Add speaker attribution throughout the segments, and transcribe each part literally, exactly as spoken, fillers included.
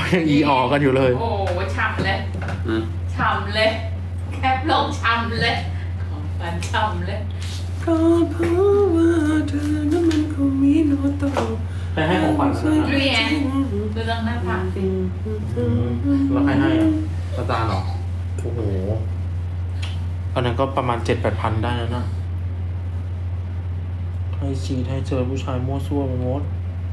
Speaker 1: ยังอีออกันอยู่เลย
Speaker 2: โอ้ฉ่ำเลยฉ่ำเลยแคปลงฉ่ำเลยของฟันฉ่ำเลย
Speaker 3: ก็เพราะว่าเธอนั้นมันคงมีโนโต
Speaker 1: ไปให้ของขวัญนะ
Speaker 2: นี่ไงดูตรงหน้าผากสิ
Speaker 1: แล้วใครให้อ่ะอาจารย์เหรอโอ้โหอันนั้นก็ประมาณเจ็ดแปดพันได้แล้วนะให้ชีดให้เจอผู้ชายมั่วซั่วไปหมด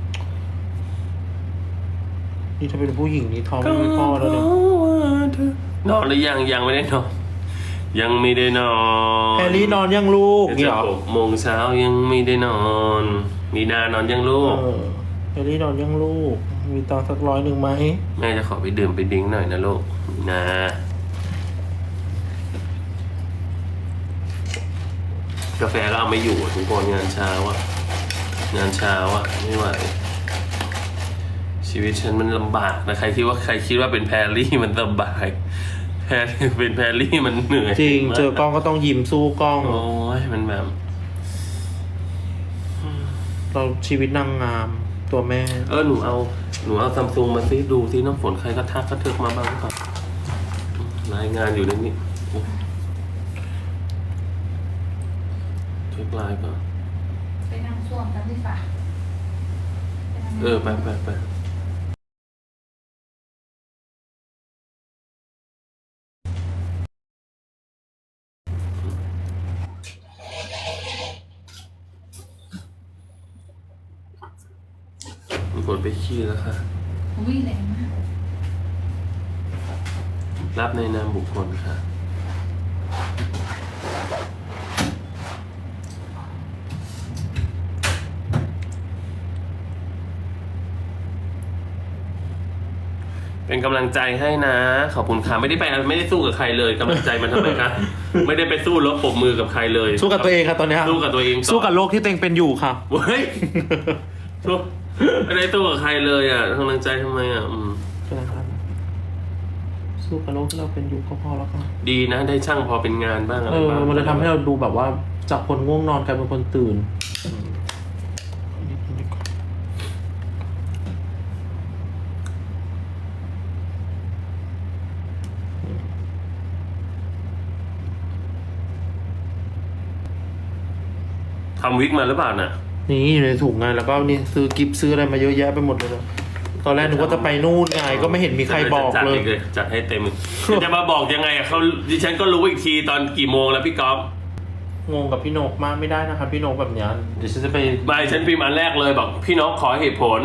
Speaker 1: นี่ถ้าเป็นผู้หญิงนี่ท้องไม่มีพ่อแล้วเนี่ย
Speaker 3: นอนหรือยังยังไม่ได้นอนยังไม่ได้นอน
Speaker 1: แฮร์รี่นอนยังลูก
Speaker 3: เดี๋
Speaker 1: นี่
Speaker 3: ยว
Speaker 1: เหรอ
Speaker 3: หกโมงเช้ายังไม่ได้นอนมีนานอนยังลูก
Speaker 1: เออแฮร์รี่นอนยังลูกมีตังค์สักร้อยหนึ่งไหม
Speaker 3: แม่จะขอไปดื่มไปดิ้งหน่อยนะลูกนะกาแฟก็เอาไม่อยู่ทุกคนงานเช้าอะงานเช้าอะไม่ไหวชีวิตฉันมันลำบากนะใครคิดว่าใครคิดว่าเป็นแพรรี่มันสบายแพรเป็นแพรรี่มันเหนื่อย
Speaker 1: จริงเจอกล้องก็ต้องยิ้มสู้กล้อง
Speaker 3: โอ้ยมันแบบ
Speaker 1: เราชีวิตนางงามตัวแม่
Speaker 3: เออหนูเอาหนูเอาซัมซุงมาซิดูซิน้ำฝนใครก็ทักก็เถิกมาบ้างก่อนรายงานอยู่ในนี้เช็คไลน์ก่อน
Speaker 2: ไปนั่งส้วมกันดีกว่า
Speaker 3: เออไปไปไปมีคนไปขี้แล้วค่ะ
Speaker 2: วิ่งแรงมาก
Speaker 3: รับในนามบุคคลค่ะเป็นกำลังใจให้นะขอบคุณค่ะไม่ได้ไปไม่ได้สู้กับใครเลยกำลังใจมันทำไมคะ ไม่ได้ไปสู้รบปรบมือกับใครเลย
Speaker 1: สู้กับตัวเองครับตอนนี้
Speaker 3: สู้กับตัวเองต่อ
Speaker 1: สู้กับโลกที่ตัวเองเป็นอยู่ค่ะ
Speaker 3: เว้ยสู้ไม่ได้สู้กับใครเลยอ่ะกำลังใจทำไมอ่ะอืม
Speaker 1: สู้กับโลกที่เราเป็นอยู่ก็พอแล้วค่ะ
Speaker 3: ดีนะได้ช่างพอเป็นงานบ้างอะไร
Speaker 1: เออ
Speaker 3: บ้าง
Speaker 1: มันเลยทำให้เราดูแบบว่าจากคนง่วงนอนกลายเป็นคนตื่น
Speaker 3: ทำวิกมาหรือเปล่าน่ะ
Speaker 1: นี่อยู่ในถุงไงแล้วก็นี่ซื้อกิฟต์ซื้ออะไรมาเยอะแยะไปหมดเลยนะตอนแรกนึกว่าจะไปนู่นไงก็ไม่เห็นมีใครบอก
Speaker 3: จัด
Speaker 1: เลย
Speaker 3: เลยจัดให้เต็มจะมาบอกยังไงอ่ะเขาดิฉันก็รู้อีกทีตอนกี่โมงแล้วพี่ก๊อฟ
Speaker 1: งงกับพี่นกมากไม่ได้นะครับพี่นกแบบเนี้ยเดี๋ยวฉันจะไป
Speaker 3: ใบฉันพิมพ์อันแรกเลยบอกพี่นกขอเหตุผล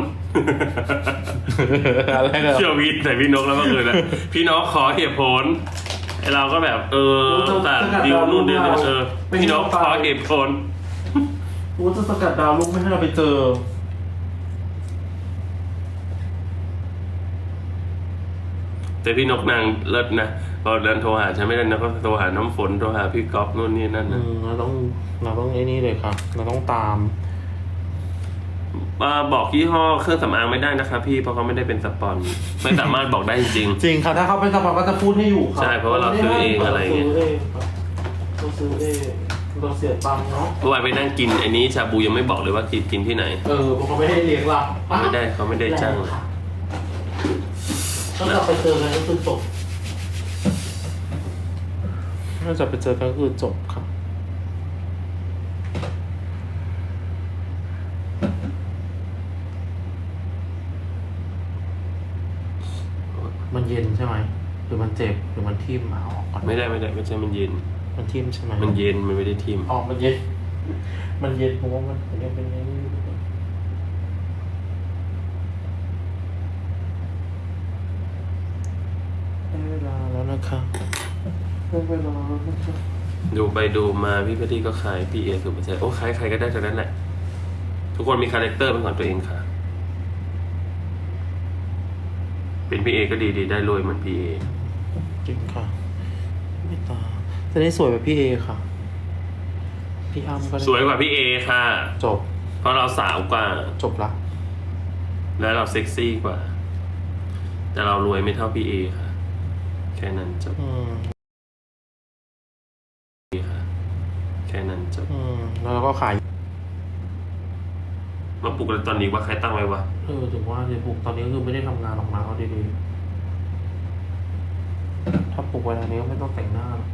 Speaker 1: อะไรกัน
Speaker 3: เชื่อวิทย์แต่พี่นกแล้วเมื่อคืนนะพี่นกขอเหตุผลไอเราก็แบบเออแต่ดิวนู่นดิวนี่เออพี่นกขอเหตุผล
Speaker 1: กูจะสกัดดาวลูกไม่ให้เราไปเจอ
Speaker 3: แต่พี่นกนางเลิศนะพอเดินโทรหาฉันไม่ได้นะก็โทรหาน้ำฝนโทรหาพี่ก๊อฟนู่นนี่นั่น
Speaker 1: อื
Speaker 3: นะ
Speaker 1: มเราต้องเราต้องไอ้นี่เลยครับเราต้องตาม
Speaker 3: มาบอกยี่ห้อเครื่องสำอางไม่ได้นะคะพี่เพราะเขาไม่ได้เป็นสปอนไม่สามารถบอกได้จริง
Speaker 1: จริงครับถ้าเขาเป็นสปอนก็จะพูดให้อยู่ครับ
Speaker 3: ใช่เพราะว่าเราซื้อเองอะไรเงี้ย
Speaker 1: เราซื้อเองเราเสียตังค์เนาะ
Speaker 3: เมื่อวานไปนั่งกินไอ้นี้ชาบูยังไม่บอกเลยว่ากินกินที่ไหน
Speaker 1: เออเพราะเขาไม่ให้เลี้ยงเรา
Speaker 3: ไม่ได้เขาไม่ได้จ้าง
Speaker 1: ถ้าเราไปเจอกันก็คือจบถ้าจะไปเจอกันก็คือจบครับมันเย็นใช่ไหมหรือมันเจ็บหรือมันทิ่มเอาออกก่อน
Speaker 3: ไม่ได้ไม่ได้ไม่ใช่มันเย็น
Speaker 1: มันทิ่มใช่ไหม
Speaker 3: มันเย็นมันไม่ได้ทิม
Speaker 1: ออกมันเย็น มันเย็นเพราะว่ามันยังเป็นอย่างนี้อยู่ได้เวลาแล้วนะคะได้เวลาแล้วนะคะ
Speaker 3: ดูไปดูมาพี่พอดีก็ขายพี่เอสุภาชัยโอ้ขายใครก็ได้ทั้งนั้นแหละทุกคนมีคาแรคเตอร์เป็นของตัวเองค่ะ เป็นพี่เอก็ดีดีได้รวยเหมือนพี่เอ
Speaker 1: จริงค่ะไม่ตาจะได้สวยแบบพี่เอค่ะ พี่อ้ำก็ได้
Speaker 3: สวยกว่าพี่เอค่ะ
Speaker 1: จบ
Speaker 3: เพราะเราสาวกว่า
Speaker 1: จบละ
Speaker 3: และเราเซ็กซี่กว่า แต่เรารวยไม่เท่าพี่เอค่ะ แค่นั้นจบ
Speaker 1: อืม
Speaker 3: ค่ะแค่นั้นจบ
Speaker 1: อืมแล้วเราก็ขาย
Speaker 3: มาปลุกอะไรตอนนี้ว่าใครตั้งไว้วะ
Speaker 1: เออถึงว่าเดี๋ยวปลุกตอนนี้คือไม่ได้ทำงานหรอกนะเอาดีๆถ้าปลุกเวลานี้ก็ไม่ต้องแต่งหน้าหรอก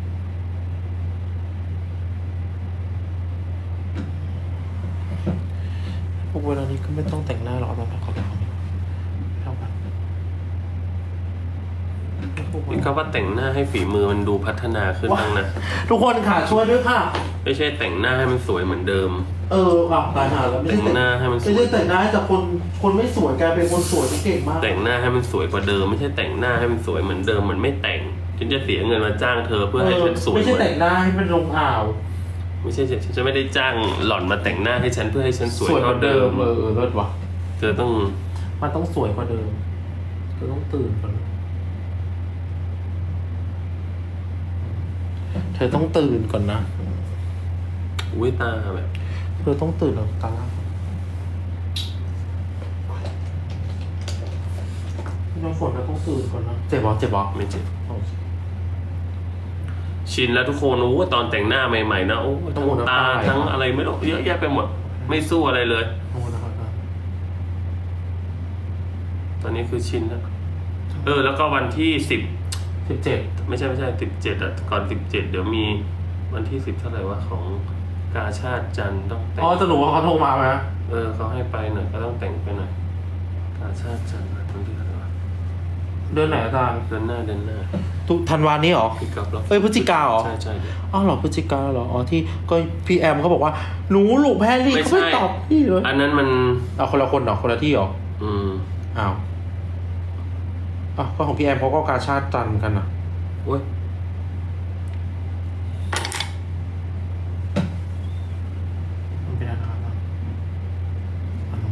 Speaker 1: ปลุกเวลานี้ก็ไม่ต้องแต่งหน้าหรอกตอนพักเขาไปเขาเท่ากันปลุกเว
Speaker 3: นี่
Speaker 1: ลา
Speaker 3: ก็ว่าแต่งหน้าให้ฝีมือมันดูพัฒนาขึ้นบ้างนะ
Speaker 1: ทุกคนค่ะช่วยด้วยค่ะ
Speaker 3: ไม่ใช่แต่งหน้าให้มันสวยเหมือนเดิม
Speaker 1: เอออ่ะตายหาแล้วไม่
Speaker 3: แต่
Speaker 1: ใช่
Speaker 3: งหน้าให้มันส
Speaker 1: ไม่
Speaker 3: วย
Speaker 1: ใช่แต่งหน้าให้แต่คนคนไม่สวยกลายเป็นคนสวยที่เก่งมาก
Speaker 3: แต่งหน้าให้มันสวยกว่าเดิม ไม่ใช่แต่งหน้าให้มันสวยเหมือนเดิมเหมือนไม่แต่งฉันจะเสียเงินมาจ้างเธอเพื่อให้ฉันสวย
Speaker 1: ไม่
Speaker 3: เห
Speaker 1: ใช่
Speaker 3: มือน
Speaker 1: แต่งหน้าให้มันลงอ่าว
Speaker 3: ไม่ใช่ฉันจะไม่ได้จ้างหล่อนมาแต่งหน้าให้ฉันเพื่อให้ฉันสวย
Speaker 1: สวยเหมื
Speaker 3: เท่า
Speaker 1: อน
Speaker 3: เดิ
Speaker 1: เดิ
Speaker 3: ม
Speaker 1: มเออเออเลิศว่ะ
Speaker 3: เธอต้อง
Speaker 1: มันต้องสวยกว่าเดิมเธอต้องตื่นก่อนเธอต้องตื่นก่อนนะ
Speaker 3: อุ้ยตาแบบ
Speaker 1: เธอต้องตื่นแล้วตาล่างน้ำฝนเราต้องตื่นก่อนนะเจ็บบ่เจ็บบ่
Speaker 3: ไม่เจ็บ
Speaker 1: โอเค
Speaker 3: ชินแล้วทุกคนโอ้ตอนแต่งหน้าใหม่ๆนะโอ้ทั้งตาทั้งอะไรไม่รู้เยอะแยะไปหมด ไม่สู้อะไรเลย
Speaker 1: โอ้นะครับ
Speaker 3: ตอนนี้คือชินแล้วเออ แล้วก็วันที่สิบ
Speaker 1: สิบเจ็ด
Speaker 3: ไม่ใช่ไม่ใช่สิบเจ็ดอ่ะก่อนสิบเจ็ดเดี๋ยวมีวันที่สิบเท่าไหร่วะของกาชาติจันทร์ต้องแต่ง
Speaker 1: อ๋อจะหนูว่าเขาโทรมาไหม
Speaker 3: เออเขาให้ไปหน่อยก็ต้องแต่งไปหน่อยกาชาติจันทร์วันที่เท่าไหร่วะ
Speaker 1: เดือนไหนอาจารย์
Speaker 3: เดือนหน้าเดือนหน้า
Speaker 1: ตุธันวานี้เหรอ
Speaker 3: พี่กับแล้ว
Speaker 1: เอ้ยพฤศจิกาเหรอ
Speaker 3: ใช่ใช่เดี๋ยว
Speaker 1: อ้าวเหรอพฤศจิกาเหรออ๋อที่ก็พี่แอมเขาบอกว่าหนูลูกแพรรี่
Speaker 3: ไม่
Speaker 1: เขา
Speaker 3: ใช่
Speaker 1: ไม่ตอบพี่เลย
Speaker 3: อันนั้นมัน
Speaker 1: เอาคนละคนเหรอคนละที่เหรอ
Speaker 3: อืม
Speaker 1: อ้าวอ้าวก็ของพี่แอมเขาก็กาชาติจันทร์กันนะ
Speaker 3: โอ้ย
Speaker 1: มันเป็นอะไรนะครับอันนู้น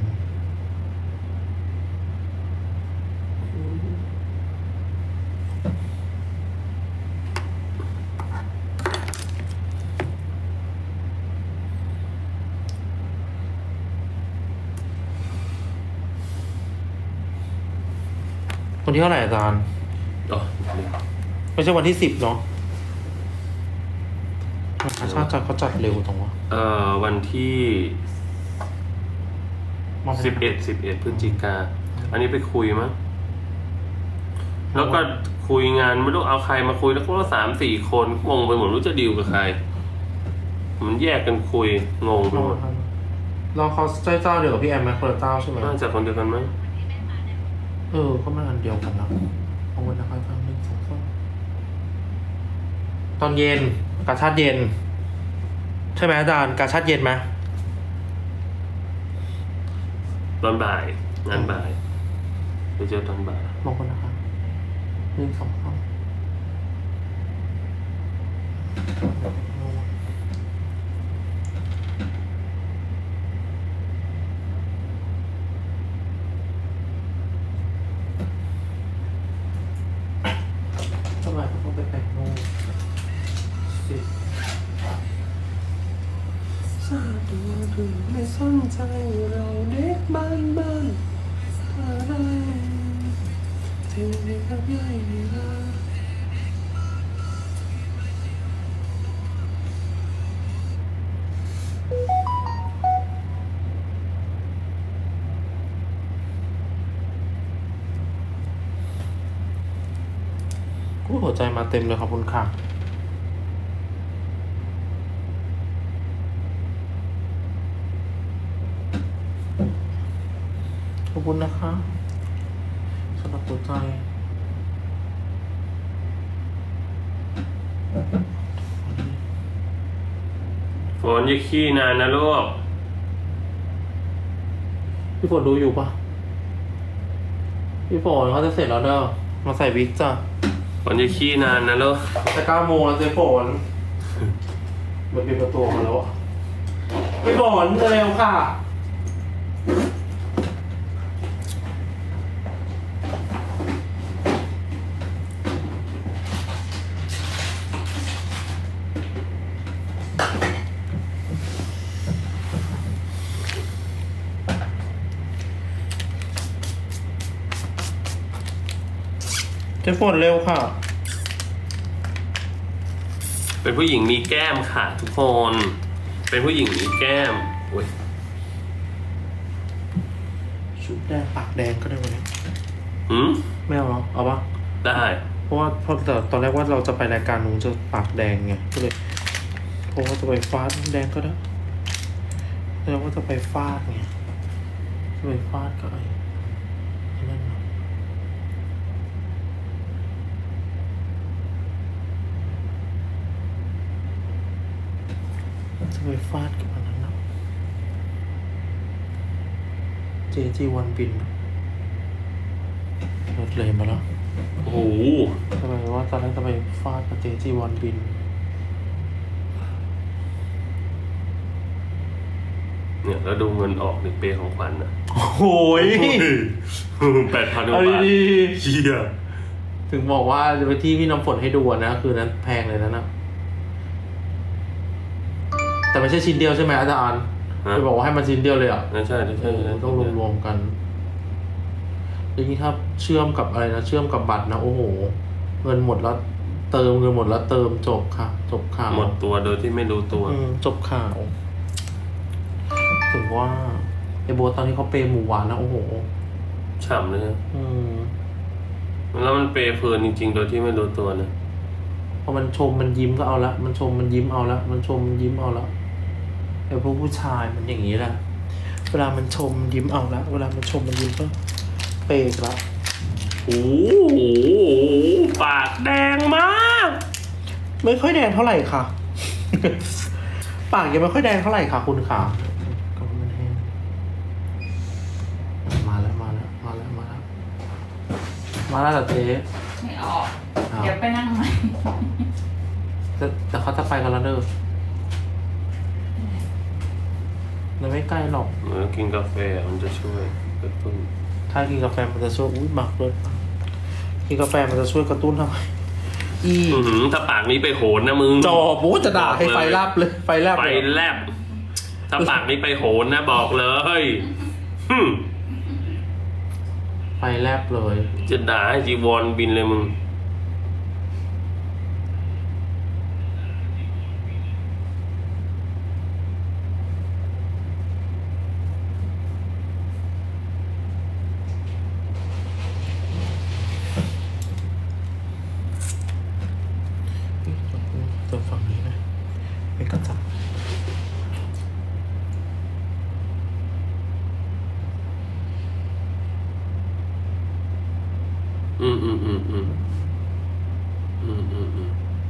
Speaker 1: วันที่เท่าไหร่อาจารย์
Speaker 3: อ๋อ
Speaker 1: ไม่ใช่วันที่สิบเนาะกาชาติจันทร์เขาจัดเร็วตรงวะ
Speaker 3: เอ่อวันที่สิบเอ็ดสิบเอ็ดพฤศจิกาอันนี้ไปคุยมั้งแล้วก็คุยงานไม่รู้เอาใครมาคุยแล้วก็สามสี่คนงงไปหมดรู้จะดีลกับใคร มันแยกกันคุยงงไปหมด
Speaker 1: เราเขาใช้เจ้าเดียวกับพี่แอมไหมคนละเจ้าใช่ไหม
Speaker 3: น่าจะคนเดียวกันมั้ง
Speaker 1: เออก็มาอันเดียวกันนะเอาไว้นะครับทางหนึ่งสองสามตอนเย็นกาชาติเย็น ใช่ไหมอาจารย์กาชาติเย็นไหม
Speaker 3: ตอนบ่ายงานบ่ายไปเจอตอนบ่าย
Speaker 1: ลงกันนะครับหนึ่งสองสามทำไมเขาต้องไปแต่งโน่นสิ
Speaker 3: ทราบตัวหรือไม่สนใจเราเด็กบ้านบ้านอะไรที่ไม่กับใหญ่ละ
Speaker 1: กูหัวใจมาเต็มเลยขอบคุณค่ะขอบคุณนะคะสำหรับหัวใจ
Speaker 3: ฝนอย่าขี้นานนะลูก
Speaker 1: พี่ฝนดูอยู่ปะพี่ฝนเขาจะเสร็จแล้วเด้อมาใส่วิกจ้ะ
Speaker 3: ฝนอย่าขี้นานนะลูก
Speaker 1: จะเก้าโมงแล้วเจ๊ฝนมันปิดประตูมาแล้วอะพี่ฝนเร็วค่ะเจ๊ฝนเร็วค่ะ
Speaker 3: เป็นผู้หญิงมีแก้มค่ะทุกคน เป็นผู้หญิงมีแก้มโอ้ย
Speaker 1: แดงปากแดงก็ได้วันนี้
Speaker 3: หืม
Speaker 1: ไม่เอาหรอเอาปะ
Speaker 3: ได้
Speaker 1: เพราะว่าเพราะแต่ตอนแรกว่าเราจะไปรายการนู้นจะปากแดงไงก็เลยเพราะว่าจะไปฟาดแดงก็ได้แล้วว่าจะไปฟาดไงจะไปฟาดก็ไอ้ไอ้นั่นนะจะไปฟาดกับอันนั้นนะเจจีวันบินรถเลยมาแล้ว
Speaker 3: โอ้โห
Speaker 1: ทำไมว่าตอนแรกจะไปฟาดกับเจจีวันบิน
Speaker 3: เนี่ยแล้วดูเงินออกในเปย์ของขวัญนะ
Speaker 1: โอ้ย
Speaker 3: แปดพันกว่า
Speaker 1: เอา
Speaker 3: บาท
Speaker 1: ดี
Speaker 3: เชี่ย
Speaker 1: ๆถึงบอกว่าจะไปที่พี่น้ำฝนให้ดูอะนะคือนั้นแพงเลยนะนะแต่ไม่ใช่ชิ้นเดียวใช่ไหมอาจารย์จะบอกว่าให้มันชิ้นเดียวเลยอ่ะ
Speaker 3: นั่นใช่นั่น
Speaker 1: เอ
Speaker 3: ใช่
Speaker 1: อ
Speaker 3: นั่น
Speaker 1: ต้องรวมๆกันแล้วนี่ถ้าเชื่อมกับอะไรนะเชื่อมกับบัตรนะโอ้โหเงินหมดแล้วเติมเงินหมดแล้วเติมจบค่ะ จบข่าว
Speaker 3: หมดตัวโดยที่ไม่รู้ตัว
Speaker 1: อืมจบข่าว ถึงว่าไอ้โบทตอนนี้เขาเปย์หมูหวานนะโอ้โห
Speaker 3: ฉ่ำเลยนะ
Speaker 1: อืม
Speaker 3: แล้วมันเปย์เพลินจริง ๆ โดยที่ไม่รู้ตัวนะ
Speaker 1: พอมันชมมันยิ้มก็เอาละมันชมมันยิ้มเอาละมันชมมันยิ้มเอาละไอ้พวกผู้ชายมันอย่างนี้แหละเวลามันชมมันยิ้มเอาละเวลามันชมมันยิ้มก็เปย์ละ
Speaker 3: โอ้โหปากแดงมาก
Speaker 1: ไม่ค่อยแดงเท่าไหร่ค่ะ ปากยังไม่ค่อยแดงเท่าไหร่ค่ะคุณค่ะก็มันแห้งมาแล้วมาแล้วมาแล้วมาแล้วมาแล้วเหรอเจ๊
Speaker 2: ไม่ออก
Speaker 1: อ้าว
Speaker 2: เดี๋ยวไปนั่งใหม่
Speaker 1: แต่แต่เขาจะไปกันแล้วเด้อมันไม่ใกล้หรอก
Speaker 3: เมื่อกินกาแฟมันจะช่วยกระตุ้น
Speaker 1: ถ้ากินกาแฟมันจะช่วยอุ้ยหมักเลยกินกาแฟมันจะช่วยกระตุ้นทำไมอี
Speaker 3: อื้อหือถ้าปากนี้ไปโหนนะมึง
Speaker 1: จอบูจะด่าให้ไฟลับเลยไฟแลบ
Speaker 3: ไฟ
Speaker 1: เลย
Speaker 3: แลบ ถ้าปากนี้ไปโหนนะบอกเลยฮึม
Speaker 1: ไฟแลบเลย
Speaker 3: จะด่าให้จีวรบินเลยมึง
Speaker 1: ตัวฝั่งนี้นะไม่กระจับ
Speaker 3: อืมอืมอืมอืมอืมอืมอืม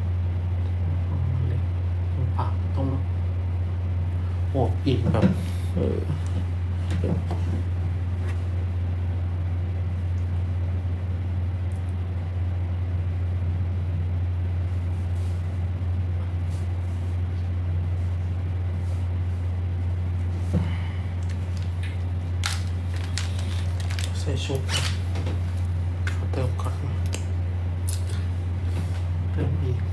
Speaker 1: ปากต้องโอบอิ่มแบบเออใส่ชุบขอเติมก่อนเติมอีก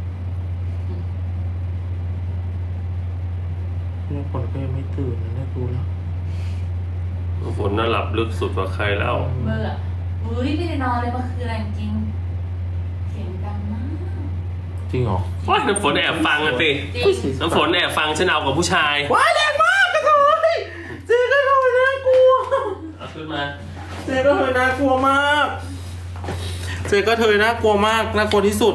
Speaker 1: เรื่องผลก็ยังไม่ตื่นนะเนี่ยดูแล้ว
Speaker 3: ฝนน่าหลับลึกสุดกว่าใครแล้ว
Speaker 2: เบื่ออุ้ยไม่ได้นอนเลยเมื่อคืนอะไรจริงเสียงดังมาก
Speaker 1: จริงเหรอ
Speaker 3: ว้ายน้ำฝนแอบฟังอะสิ
Speaker 2: จริง
Speaker 3: น้ำฝนแอบฟังฉันเอากับผู้ชาย
Speaker 1: ว้ายแรงมากกระโถยเจ๊กระโถยน่ากลัว
Speaker 3: เอาขึ้นมา
Speaker 1: เจ๊กระเทยน่ากลัวมาก เจ๊กระเทยน่ากลัวมาก น่ากลัวที่สุด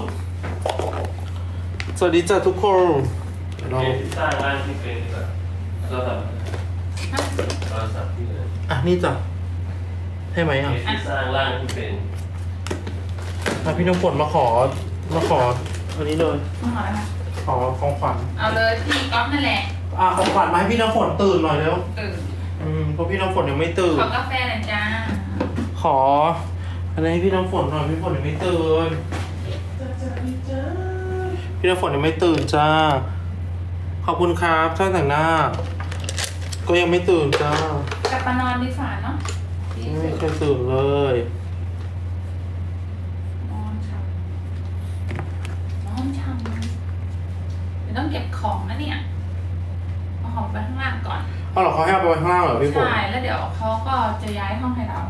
Speaker 1: สวัสดีจ้ะทุกคนเรา
Speaker 3: เที่สร้างบ้านที่เป็นแบบเราทำเราสับที่เลย
Speaker 1: อ่ะนี่จ้ะให้ไหมอ่ะ
Speaker 3: ที่สร้างร่างที่เป็น
Speaker 1: อ่ะพี่น้ำฝนมาขอ มาขออันนี้เลย
Speaker 2: มาหาแล้วนะ
Speaker 1: ขอของขวัญ
Speaker 2: เอาเลยพี่ก๊อฟนั่นแหละ
Speaker 1: อ่ะของขวัญมาให้พี่น้ำฝนตื่นหน่อยเร็ว
Speaker 2: ตื่น
Speaker 1: อืมเพราะพี่น้ำฝนยังไม่ตื่น
Speaker 2: ขอกาแฟหน่อยจ้า
Speaker 1: ขออะไรให้พี่น้ำฝนหน่อยพี่ฝนยังไม่ตื่นพี่น้ำฝนยังไม่ตื่นจ้า ขอบคุณครับช่างแต่งหน้า ก็ยังไม่ตื่นจ้าก
Speaker 2: ลับมานอนดีฝ่าเนาะดี
Speaker 1: ไม่
Speaker 2: สุด
Speaker 1: เคยตื่นเลย
Speaker 2: นอนช่ำนอนช่ำเดี๋ยวต้องเก็บของนะเนี่ยเอาของไปข้างล่างก่อน
Speaker 1: เอาเหรอเขาให้เอาไปไว้ข้างล่างเหรอพี่ฝน
Speaker 2: ใช่แล้วเดี๋ยวเขาก็จะย้ายห้องให้เรา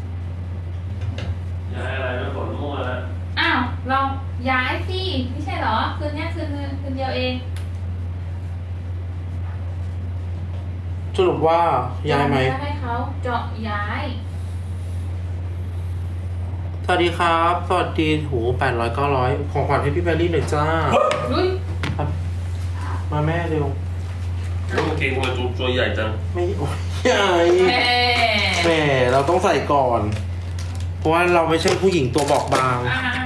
Speaker 3: ย้ายอะไรไม่ฝนมั่วแล้ว
Speaker 2: อ้าวลองย้ายสิไม่ใช่เหรอ คืนเนี้ยคืนนึงคืนเดียวเอง
Speaker 1: สรุปว่าย้ายไหม
Speaker 2: จะให้เขาเจาะย้าย
Speaker 1: สวัสดีครับ สวัสดีโหแปดร้อยเก้าร้อยของขวัญให้พี่แพรรี่หน่อยจ้า
Speaker 2: อุ้ย
Speaker 1: ครับ มาแม่เร็ว
Speaker 3: ต้องเกงทำไมตัวตัวใหญ่จัง
Speaker 1: ไม่โอ้ยใหญ่
Speaker 2: แม่
Speaker 1: แหมเราต้องใส่ก่อน เพราะว่าเราไม่ใช่ผู้หญิงตัวบอกบาง
Speaker 2: อ่ะ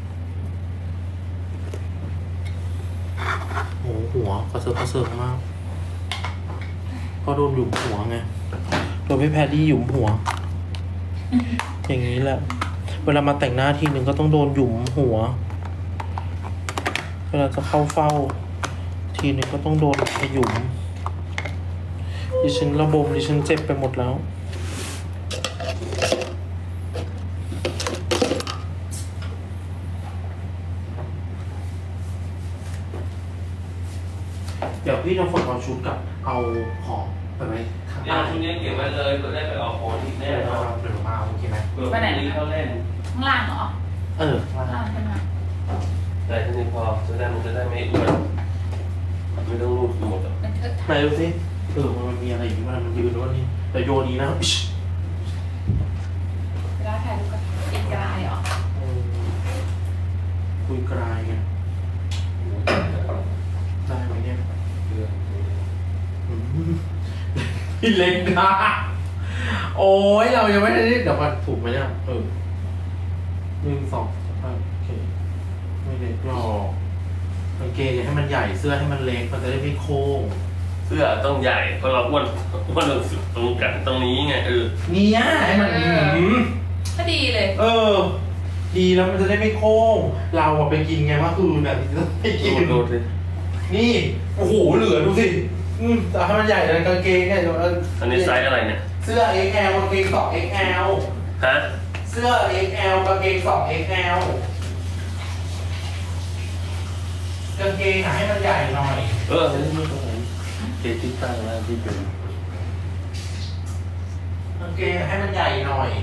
Speaker 1: โหหัวกระเซิร์กระเซิร์มากเพราะโดนหยุมหัวไงโดนพี่แพรรี่หยุมหัว อย่างนี้แหละ เวลามาแต่งหน้าทีหนึ่งก็ต้องโดนหยุมหัว เวลาจะเข้าเฝ้า ทีหนึ่งก็ต้องโดนขยุมดิฉันระบมดิฉันเจ็บไปหมดแล้ว เดี๋ยวพี่ต้องฝนเอาชุดกับเอาของไปไว้ข้าง
Speaker 3: เนี่ย
Speaker 1: ใต้
Speaker 3: ชุดนี้เก็บไว้เลยเพื่อได้ไปออกโอนอีกแน่
Speaker 1: เดี๋ยวน
Speaker 3: อน
Speaker 1: เราเดี๋ยวเรามาเอาโอเคไหม
Speaker 3: เผื่อพรุ่งนี้เขาเล่น
Speaker 2: ข้างล่างเหรอ
Speaker 1: เออ
Speaker 2: ข้างล่างใช่ไหม
Speaker 3: แต่ทีนี้พอจะได้มันจะได้ไม่อ้วนไม่ต้องรูดหมดอ่ะ
Speaker 2: มันเทิด
Speaker 1: ไหนดูสิเออมันมีอะไรอยู่มันมันยืนด้วยนี่แต่โยนนี้นะอิ๊ช
Speaker 2: เวลาถ่ายรูปกับอีกกลายเหรอ
Speaker 1: เออคุยกลายไงได้ไหมเนี่ยอืมพี่เล็กนะโอ้ยเรายังไม่ได้เดี๋ยวก่อนถูกไหมเนี่ยเออหนึ่งสองสามโอเคไม่เล็กหรอกกางเกงอย่าให้มันใหญ่เสื้อให้มันเล็กมันจะได้ไม่โค้ง
Speaker 3: เสื้อต้องใหญ่เพราะเราอ้วนอ้วนสุดตรงกันตรงนี้ไงเออ
Speaker 1: เนี่ยให้มันอืม
Speaker 2: ก็ดีเลย
Speaker 1: เออ ดีแล้วมันจะได้ไม่โค้ง เราอะไปกินไงเมื่อคืนน่ะจะไปกิน
Speaker 3: ดูสิ
Speaker 1: นี่ โอ้โห เหลือดูสิ อืมแต่ให้มันใหญ่เลยกางเกงเนี่ยเดี๋ยวเ
Speaker 3: อันนี้ไซส์อะไรเนี่ย
Speaker 1: เสื้อ เอ็กซ์ แอล กางเกงสอง เอ็กซ์ แอล
Speaker 3: ฮะ
Speaker 1: เสื้อ เอ็กซ์ แอล กางเกงสอง เอ็กซ์ แอล กางเกงหาให้มันใหญ่หน่อย
Speaker 3: เออนี่ไม่ตรงไหนเจที่ตั้งแล้วที่เป็น
Speaker 1: กางเกงให้มันใหญ่หน่อย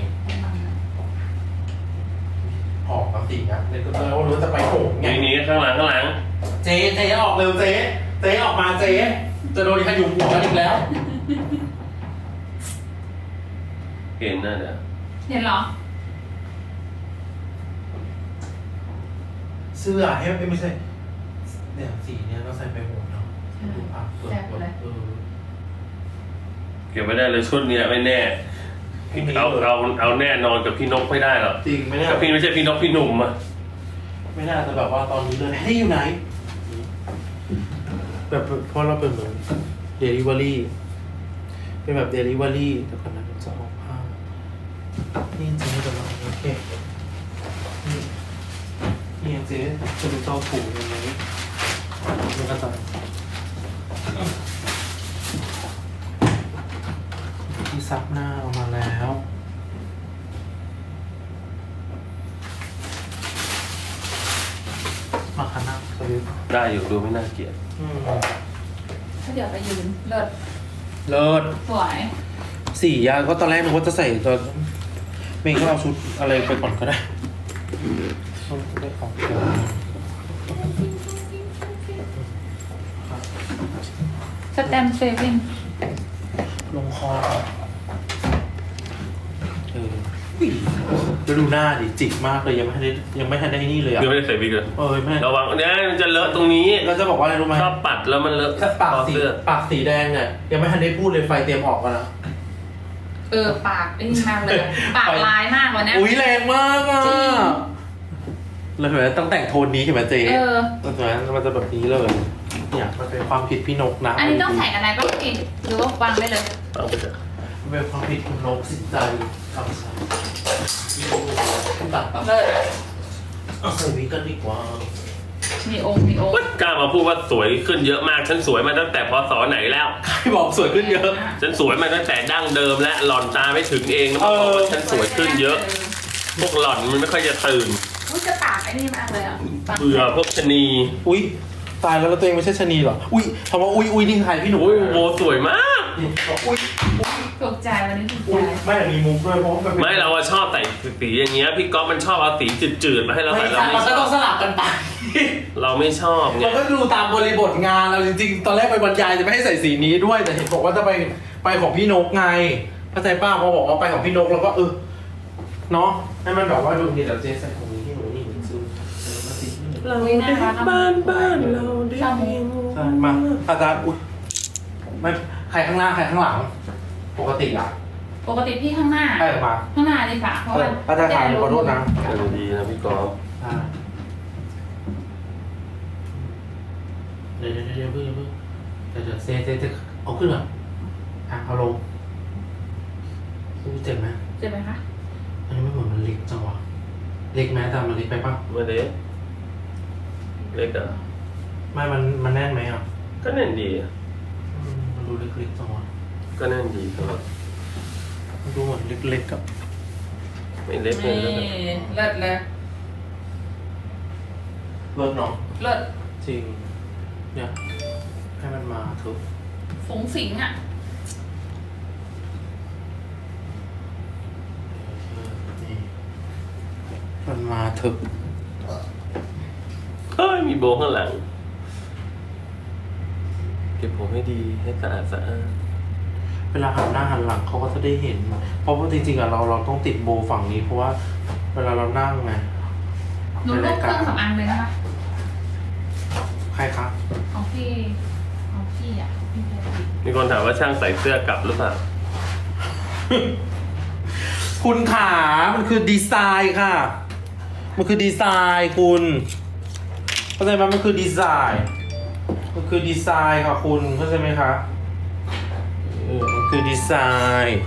Speaker 1: ออกมาสินะเดี๋ยวก็จะรู้จะไปโหงไง
Speaker 3: นี่นี่ข้างหลังข้างหลัง
Speaker 1: เจ๊เจ๊ออกเร็วเจ๊เจ๊ออกมาเจ๊จะโดนขยุมหัวกันอีกแล้ว
Speaker 3: เห็นน่ะเดี๋ยว
Speaker 2: เห็นเหรอ
Speaker 1: เสื้อให้ไม่ใช่เนี่ยสีเนี้ยเราใส่ไปหัวเนาะดูอ่ะเปิด
Speaker 2: แซ่บเลย
Speaker 1: เออ
Speaker 3: เก็บไม่ได้เลยชุดเนี้ยไม่แน่เอาเอาเอาแน่นอนกับพี่นกไม่ได้หรอก
Speaker 1: จริงไหมเนี่ย
Speaker 3: กับพี่ไม่ใช่พี่นกพี่หนุ่มอ่ะ
Speaker 1: ไม่น่าจะแบบว่าตอนนี้เลยให้อยู่ไหน แบบเพราะเราเป็นเหมือนเดลิเวอรี่เป็นแบบเดลิเวอรี่แต่ก่อนนั้นจะออกผ้านี่เจ๊จะมาโอเคนี่นี่เจ๊จะไปเจ้าถูยังไงมันก็จะที่ซับหน้าออกมาแล้วมาขนาดสวิต
Speaker 3: ได้อยู่ดูไม่น่าเกลียด
Speaker 1: อืม
Speaker 2: ถ้าเดี๋ยวไปยืนเลิศ
Speaker 1: เลิศ
Speaker 2: สวย
Speaker 1: สี่ยาก็ตอนแรกนึกว่าจะใส่ตอนเมย์ก็เอาชุดอะไรไปก่อนก็ได้ต้องได้ของ
Speaker 2: สแตมป์เซเว่น
Speaker 1: ลงคอเออแล้วดูหน้าดิจิกมากเลยยังไม่ทันได้ยังไม่ทันได้นี่เลยอ่ะ
Speaker 3: เดี๋ยวไม่ได้ใส่บิ๊กเลย
Speaker 1: เออไม่
Speaker 3: ระวังเนี่ยมันจะเลอะตรงนี้
Speaker 1: เราจะบอกว่าอะไรรู้ไหม
Speaker 3: ชอบปัดแล้วมันเลอะ
Speaker 1: ถ้าปากสี
Speaker 3: เสื้อ
Speaker 1: ปากสีแดงเนี่ยยังไม่ทันได้พูดเลยไฟเตรียมออกกันนะ
Speaker 2: เออปากไอ้นี่มากเลย ปากลายมากวันนี้
Speaker 1: อุ้ยแรงมากอ่ะ
Speaker 2: จริง
Speaker 1: แล้วเห็นไหมต้องแต่งโทนนี้เห็นไหมเจ๊
Speaker 2: เออ
Speaker 1: ตอนนั้นมันจะแบบนี้เลย เนี่ยมันเป็นความผิดพี่นกนะ
Speaker 2: อันนี้ต้องใส่อะไรบ้างพี่หรือว่าวางได้เลย
Speaker 3: เอาไปเถอะ
Speaker 1: มันเป็นความผิดคุณนกสินใจคำสั่งพี่นกตัดตัด
Speaker 2: เลิศ
Speaker 1: เอาใส่วิกกันดีกว่า
Speaker 2: มีองค์มีองค์
Speaker 3: กล้ามาพูดว่าสวยขึ้นเยอะมาก ฉันสวยมาตั้งแต่พศไหนแล้ว
Speaker 1: ใครบอกสวยขึ้นเยอะ
Speaker 3: ฉันสวยมาตั้งแต่ดั้งเดิมและหล่อนตาไม่ถึงเองแล้วมาบอกว่าฉันสวยขึ้นเยอะ พวกหล่อนมันไม่ค่อยจะตื่น
Speaker 2: อุ้ยจะปากไอ้นี่มากเลยอ่ะปาก
Speaker 3: เบื่อพวกชะนี
Speaker 1: อุ้ยตายแล้วแล้วตัวเองไม่ใช่ชะนีเหรอ อุ้ยคำว่าอุ้ยอุ้ยนี่ใครพี่หนู
Speaker 3: โอ้ยโบสวยมาก
Speaker 1: อุ้ย
Speaker 2: ตกใจวันนี้ตก
Speaker 1: อุ้ย
Speaker 2: ใจ
Speaker 1: ไม่มีมุกด้วยเพราะมันเป็น
Speaker 3: ไม่เราอะชอบแต่งสีอย่างเงี้ยพี่ก๊อฟมันชอบเอาสีจืดๆมาให้เรา
Speaker 1: ไม่
Speaker 3: ใส่เรา
Speaker 1: ใช่
Speaker 3: ไม่
Speaker 1: มัน
Speaker 3: ช
Speaker 1: ก็
Speaker 3: อ
Speaker 1: ต้อบ งสลับกันไป
Speaker 3: เราไม่ชอบไง
Speaker 1: มันก็ดูตามบริบทงานเราจริงๆ ตอนแรกไปบรรยายจะไม่ให้ใส่สีนี้ด้วย แต่เห็นบอกว่าจะไปไปของพี่นกไงเข้าใจป้าพอบอกว่าไปของพี่นกแล้วก็เออเนาะให้มันแบบว่าดูดีแต่เจ๊ใส่ของนี้ที่หนูนี่หนูซื้อซื้อมาสิ
Speaker 3: เราได้บ้านบ้านเราได้เพียง
Speaker 1: ใช่มาอาจารย์อุ้ยไม่ใครข้างหน้าใครข้างหลัง ปกติอ่ะ
Speaker 2: ปกติพี่ข้างหน้า
Speaker 1: ใครออกมา
Speaker 2: ข้างหน้าเลยค่ะเพราะว่า
Speaker 1: อาจารย์ถามขอโทษนะ
Speaker 3: เออดีนะพี่กอล์ฟ
Speaker 1: อ่าเดี๋ยวเดี๋ยวเดี๋ยวเพิ่งเพิ่งเดี๋ยวเดี๋ยวเซเซเซเอาขึ้นเหรออ่ะเอาลงรู้เจ็บไหม
Speaker 2: เจ็บไหมคะ
Speaker 1: อันนี้ไม่เหมือนมันเล็กจังวะเล็กไหมแต่มันเล็กไปปะ
Speaker 3: ไม่เล็กเล็กอ่ะ
Speaker 1: ไม่มันมันแน่นไหมอ่ะ
Speaker 3: ก็แน่นดีอะ
Speaker 1: อืมมันดูเล็กๆจังวะ
Speaker 3: ก็แน่นดีครับ
Speaker 1: มันดูเหมือนเล็กๆกับ
Speaker 3: ไม่เล็กเลย
Speaker 2: นี่
Speaker 3: แล้วก็
Speaker 2: เลิศเลย
Speaker 1: เลิศเนาะ
Speaker 2: เลิศ
Speaker 1: จริงเนี่ยให้มันมาเถอะ
Speaker 2: ฝูงสิงอ่ะ
Speaker 1: นี่มันมาเถอะ
Speaker 3: เฮ้ยมีโบว์ข้างหลัง เก็บผมให้ดีให้สะอาดสะอาด
Speaker 1: เวลาหันหน้าหันหลังเขาก็จะได้เห็น เพราะว่าจริงๆอะเราเราต้องติดโบว์ฝั่งนี้ เพราะว่าเวลาเรานั่งไง
Speaker 2: หนูรูปเครื่องสำอางเลยนะคะ
Speaker 1: ใครครับ
Speaker 2: ของพี่ของพี่อ่ะพี่แพรรี่
Speaker 3: มีคนถามว่าช่างใส่เสื้อกลับหรือเปล่า
Speaker 1: คุณขามันคือดีไซน์ค่ะ มันคือดีไซน์คุณเข้าใจไหมมันคือดีไซน์มันคือดีไซน์ค่ะคุณเข้าใจไหมคะเออมันคือดีไซน์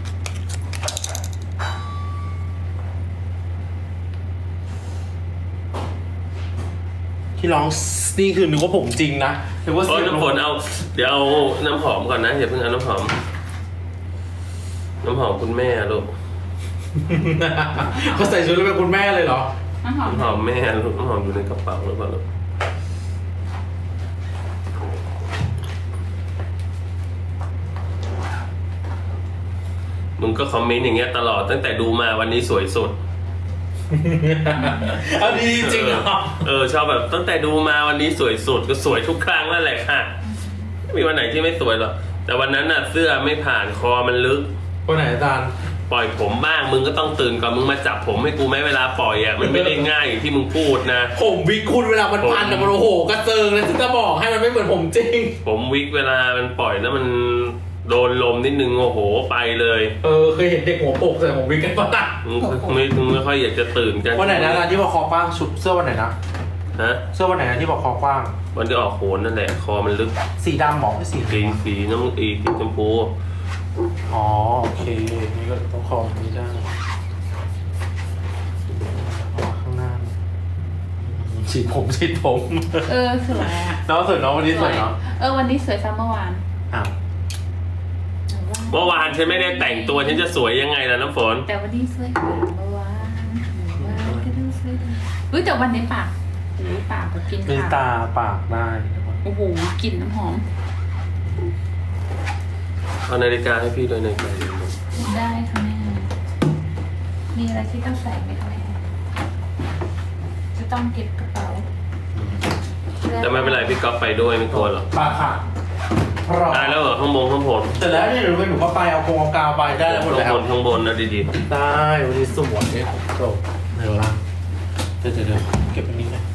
Speaker 1: ที่ร้องนี่คือนึกว่าผมจริงนะนึกว่า
Speaker 3: โอ้
Speaker 1: เสี
Speaker 3: ย
Speaker 1: ยง
Speaker 3: น้ำฝนเอา เดี๋ยวเอาน้ำหอมก่อนนะอย่าเพิ่งเอาน้ำหอม น้ำหอมคุณแม่ลูก
Speaker 1: เขาใส่ชุดแล้วเป็นคุณแม่เลยเหรอ
Speaker 2: น้ำหอม
Speaker 3: น้ำหอมแม่ลูกน้ำหอมอยู่ในกระเป๋าหรือเปล่าลูกมึงก็คอมเมนต์อย่างเงี้ยตลอดตั้งแต่ดูมาวันนี้สวยสุด
Speaker 1: เอาดีจริงเหรอ
Speaker 3: เออชอบแบบตั้งแต่ดูมาวันนี้สวยสุดก็สวยทุกครั้งนั่นแหละค่ะไม่มีวันไหนที่ไม่สวยหรอกแต่วันนั้นน่ะเสื้อไม่ผ่านคอมันลึก
Speaker 1: คนไหนอาจารย์
Speaker 3: ปล่อยผมบ้างมึงก็ต้องตื่นก่อนมึงมาจับผมให้กูไหมเวลาปล่อยอ่ะมันไม่ได้ง่ายอย่างที่มึงพูดนะ
Speaker 1: ผมวิกคุณเวลามันพันอะมันโอ้โหกระเจิงเลยจะบอกให้มันไม่เหมือนผมจริง
Speaker 3: ผมวิกเวลามันปล่อยแล้วมันโดนลมนิดนึงโอ้โหไปเลย
Speaker 1: เออเคยเห็นเด็กหัวโปกใส่ผมวิกกันปะล่ะ
Speaker 3: มึงไม่มึงไม่ค่อยอยากจะตื่นกัน
Speaker 1: วันไหนนะอาจารย์ที่บอกคอกว้างชุดเสื้อวันไหนนะ
Speaker 3: ฮะ
Speaker 1: เสื้อวันไหนนะที่บอกคอกว้าง
Speaker 3: วันที่ออกโขนนั่นแหละคอมันลึก
Speaker 1: สีดำหมอไม่สี
Speaker 3: สีสีน้ำอีสีชมพู
Speaker 1: อ๋อโอเคนี่ก็ต้องคอแบบนี้ได้เอาข้างหน้าฉีดผมฉีดผม
Speaker 2: เออสวยอ่ะ
Speaker 1: น้องสวยน้องวันนี้สวยเนาะ
Speaker 2: เออวันนี้สวยซ้ำเมื่อวาน
Speaker 1: อ้าว
Speaker 3: เมื่อวานฉันไม่ได้แต่งตัวฉันจะสวยยังไงล่ะน้ำฝน
Speaker 2: แต่วันนี้สวยกว่าเมื่อวานเมื่อวานก็ดูสวยดีเฮ้ยแต่วันนี้ปากโอ้ยปากแบบกิน
Speaker 1: มี
Speaker 2: ขา
Speaker 1: ตาปากได้
Speaker 2: โอ้โหกลิ่นน้ำหอม
Speaker 3: เอานาฬิกาให้พี่ด้วยนาฬิกา
Speaker 2: ได้ค่ะแม่มีอะไรที่ต้องใส่ไหมคะแม่จะต้องเก็บกระเป๋า
Speaker 3: แต่ไม่เป็นไรพี่ก๊อฟไปด้วยไม่กลัวหรอก
Speaker 1: ปากค่ะพร้อม
Speaker 3: ได้แล้วเหรอข้างบนข้างบน
Speaker 1: เสร็จแล้วเนี่ยหนูไปหนูก็ไปเอาโครงเอากาวไปได้แล้วหมด
Speaker 3: ข้าง
Speaker 1: แล้ว
Speaker 3: บนข้างบนนะดี
Speaker 1: ได้วันนี้สวยจบเดี๋ยวละเดี๋ยวเดี๋ยวเดี๋ยวเก็บอันนี้หน่อย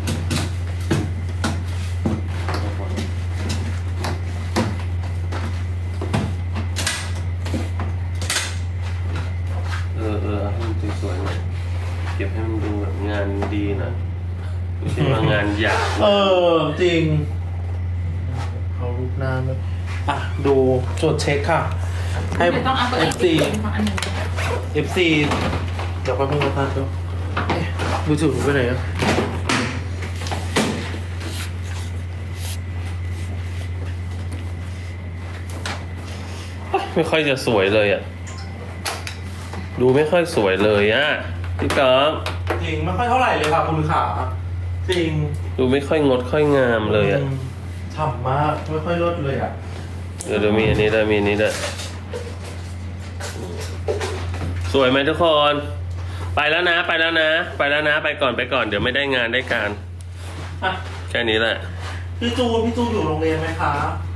Speaker 3: ๆเออเออให้มันสวยๆหน่อยเก็บให้มันดูแบบงานดีหนะไม่ใช่ว่างานหยาบ
Speaker 1: เออจริงเอารูปหน้าด้วยอ่ะดูจดเช็คค่ะ ให้
Speaker 2: เดี๋ยวต้องเอาไป
Speaker 1: เอฟซี
Speaker 2: อันหนึ่ง
Speaker 1: เอฟซีเดี๋ยวแป๊บนึงนะท่านเดี๋ยวเอ๊ะมือถือหนูไปไหนอะ
Speaker 3: ไม่ค่อยจะสวยเลยอ่ะดูไม่ค่อยสวยเลยอ่ะพี่ก๊อฟ
Speaker 1: จริงไม่ค่อยเท่าไหร่เลยค่ะคุณขาจริง
Speaker 3: ดูไม่ค่อยงดค่อยงามเลยอ่ะ
Speaker 1: มฉ่ำมากไม่ค่อยลดเลยอ่ะ
Speaker 3: เดี๋ยวเดี๋ยวมีอันนี้ด้วยมีอันนี้ด้วยสวยไหมทุกคน ไปแล้วนะ ไปแล้วนะ ไปแล้วนะ ไปก่อนไปก่อนเดี๋ยวไม่ได้งานได้การ
Speaker 1: อ่ะ
Speaker 3: แค่นี้แหละ
Speaker 1: พี่จูนพี่จูนอยู่โรงเรียนไหมคะ